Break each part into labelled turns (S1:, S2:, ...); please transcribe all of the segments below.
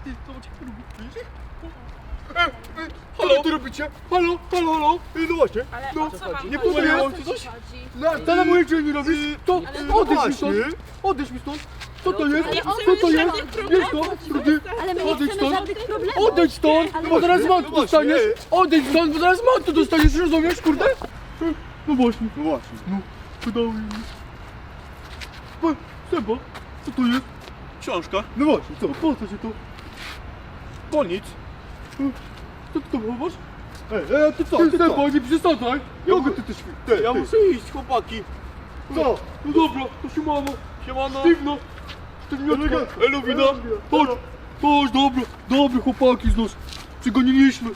S1: zobacz jak to robi, widzisz? Halo, co ty robicie? Halo, halo, halo. No właśnie,
S2: Ale
S1: no,
S2: o co wam
S1: nie
S2: chodzi?
S1: pomyliło
S2: O
S1: ci
S2: co
S1: coś?
S2: ci chodzi?
S1: Co na mojej dzień robisz? To
S2: Ale
S1: odejdź mi
S3: właśnie.
S1: stąd, odejdź mi stąd. Co to jest?
S2: Ale
S1: Co
S2: chcemy
S1: to jest?
S2: żadnych problemów.
S1: Wiesz to? Ty,
S4: Ale my nie
S1: odejdź
S4: chcemy
S1: stąd.
S4: żadnych problemów.
S1: Odejdź stąd,
S4: Ale
S1: bo zaraz
S3: właśnie,
S1: mantu
S3: no właśnie.
S1: dostaniesz. Odejdź stąd, bo zaraz mantu dostaniesz, rozumiesz, kurde? No właśnie,
S3: No właśnie.
S1: no, wydało mi się. Seba, co to jest?
S3: Książka?
S1: No właśnie, co, po co ci to?
S3: Bo nic.
S1: Co ty to chowasz?
S3: Ty co?
S1: Ty
S3: Ty
S1: Seba,
S3: co?
S1: nie przesadzaj!
S3: Ja
S1: Mogę
S3: mówię-
S1: ty też...
S3: Ja muszę iść, chłopaki.
S1: Co? No dobra, to siemano.
S3: Siemano.
S1: Sztywno. Sztywniutka. Elowina. Chodź. Chodź, dobra. Dobry chłopaki z nas. Przygoniliśmy.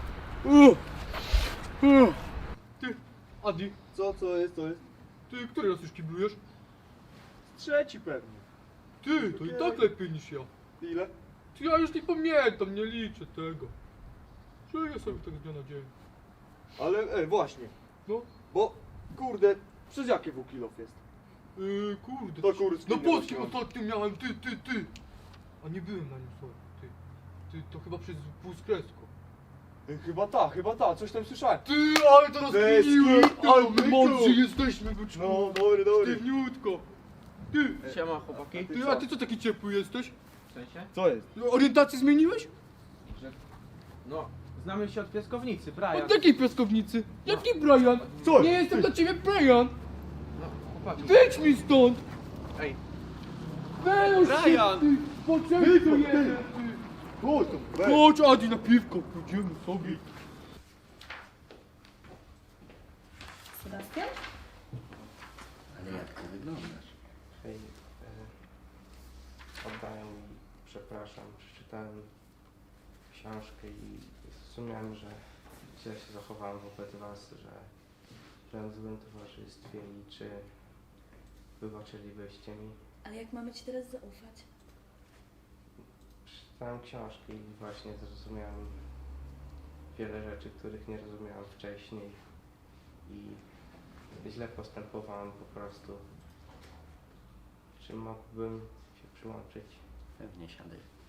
S1: Ty, Adi,
S3: Co jest, co jest?
S1: ty który raz już kiblujesz?
S3: Trzeci pewnie.
S1: Ty, to i tak lepiej niż ja.
S3: Ile?
S1: Ty, ja już nie pamiętam, nie liczę tego. Żyję sobie tak z dnia na dzień.
S3: Ale właśnie.
S1: No,
S3: Bo, kurde, przez jakie W-kilof jest?
S1: kurde.
S3: To kurski
S1: Na
S3: nie
S1: polskim
S3: miałem.
S1: ostatnio miałem, ty. A nie byłem na nim, sorry, ty. Ty, to chyba przez półskresko.
S3: Chyba ta, coś tam słyszałem.
S1: Ty, ale teraz
S3: Bez
S1: kminiłem,
S3: kitu,
S1: ale my
S3: byku.
S1: mądrzy jesteśmy, byczku.
S3: No, dobry.
S1: Sztywniutko. Ty,
S5: Siema chłopaki.
S1: ty, a ty co taki ciepły jesteś?
S5: W sensie?
S3: Co jest?
S1: Orientację zmieniłeś?
S5: No, znamy się od piaskownicy, Brian.
S1: Od jakiej piaskownicy? Jaki Brian?
S3: Co?
S1: Nie jestem dla ciebie Brian.
S5: No, chłopaki.
S1: Wyjdź mi stąd.
S5: Ej,
S1: Weź
S3: Brian.
S1: się, ty. Poczekaj tu jeden, ty.
S3: Chodź tu, weź.
S1: Chodź, Adi, na piwko, pójdziemy sobie.
S4: Sebastian?
S6: Ale jak ty wyglądasz?
S5: hej. Oddaję mi, przepraszam, przeczytałem książkę i zrozumiałem, że źle się zachowałem wobec was, że byłem w złym towarzystwie i czy wybaczylibyście mi.
S4: Ale jak mamy ci teraz zaufać?
S5: Przeczytałem książkę i właśnie zrozumiałem wiele rzeczy, których nie rozumiałem wcześniej i źle postępowałem po prostu. Czy mógłbym się przyłączyć?
S6: Pewnie siadaj.